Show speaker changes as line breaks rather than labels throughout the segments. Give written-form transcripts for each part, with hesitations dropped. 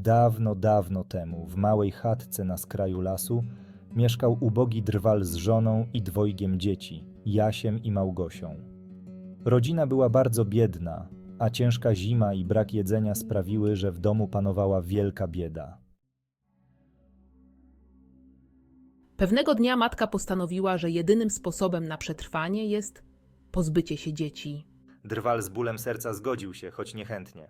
Dawno, dawno temu, w małej chatce na skraju lasu, mieszkał ubogi drwal z żoną i dwojgiem dzieci, Jasiem i Małgosią. Rodzina była bardzo biedna, a ciężka zima i brak jedzenia sprawiły, że w domu panowała wielka bieda.
Pewnego dnia matka postanowiła, że jedynym sposobem na przetrwanie jest pozbycie się dzieci.
Drwal z bólem serca zgodził się, choć niechętnie.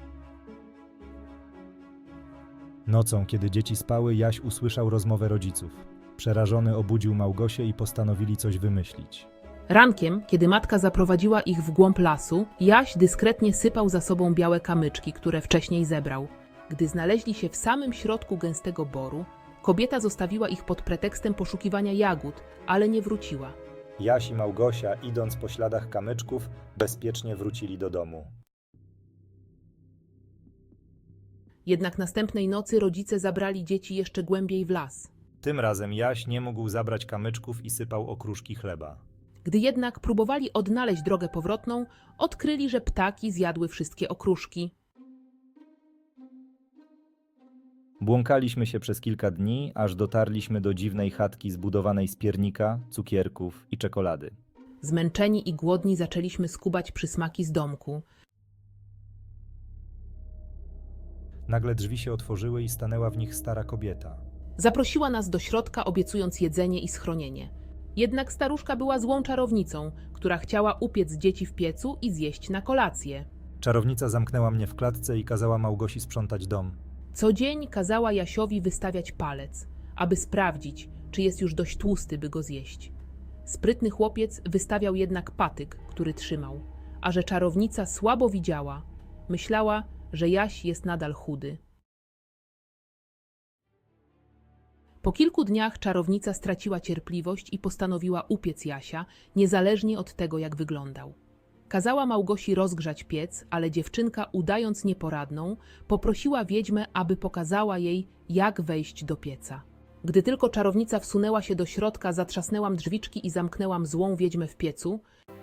Nocą, kiedy dzieci spały, Jaś usłyszał rozmowę rodziców. Przerażony obudził Małgosię i postanowili coś wymyślić.
Rankiem, kiedy matka zaprowadziła ich w głąb lasu, Jaś dyskretnie sypał za sobą białe kamyczki, które wcześniej zebrał. Gdy znaleźli się w samym środku gęstego boru, kobieta zostawiła ich pod pretekstem poszukiwania jagód, ale nie wróciła.
Jaś i Małgosia, idąc po śladach kamyczków, bezpiecznie wrócili do domu.
Jednak następnej nocy rodzice zabrali dzieci jeszcze głębiej w las.
Tym razem Jaś nie mógł zabrać kamyczków i sypał okruszki chleba.
Gdy jednak próbowali odnaleźć drogę powrotną, odkryli, że ptaki zjadły wszystkie okruszki.
Błąkaliśmy się przez kilka dni, aż dotarliśmy do dziwnej chatki zbudowanej z piernika, cukierków i czekolady.
Zmęczeni i głodni zaczęliśmy skubać przysmaki z domku.
Nagle drzwi się otworzyły i stanęła w nich stara kobieta.
Zaprosiła nas do środka, obiecując jedzenie i schronienie. Jednak staruszka była złą czarownicą, która chciała upiec dzieci w piecu i zjeść na kolację.
Czarownica zamknęła mnie w klatce i kazała Małgosi sprzątać dom.
Co dzień kazała Jasiowi wystawiać palec, aby sprawdzić, czy jest już dość tłusty, by go zjeść. Sprytny chłopiec wystawiał jednak patyk, który trzymał, a że czarownica słabo widziała, myślała, że Jaś jest nadal chudy. Po kilku dniach czarownica straciła cierpliwość i postanowiła upiec Jasia, niezależnie od tego, jak wyglądał. Kazała Małgosi rozgrzać piec, ale dziewczynka, udając nieporadną, poprosiła wiedźmę, aby pokazała jej, jak wejść do pieca. Gdy tylko czarownica wsunęła się do środka, zatrzasnęłam drzwiczki i zamknęłam złą wiedźmę w piecu.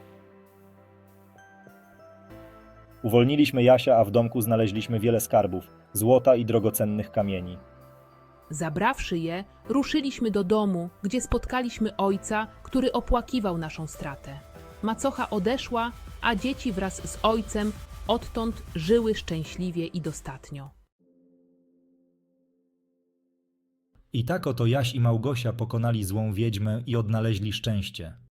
Uwolniliśmy Jasia, a w domku znaleźliśmy wiele skarbów, złota i drogocennych kamieni.
Zabrawszy je, ruszyliśmy do domu, gdzie spotkaliśmy ojca, który opłakiwał naszą stratę. Macocha odeszła, a dzieci wraz z ojcem odtąd żyły szczęśliwie i dostatnio.
I tak oto Jaś i Małgosia pokonali złą wiedźmę i odnaleźli szczęście.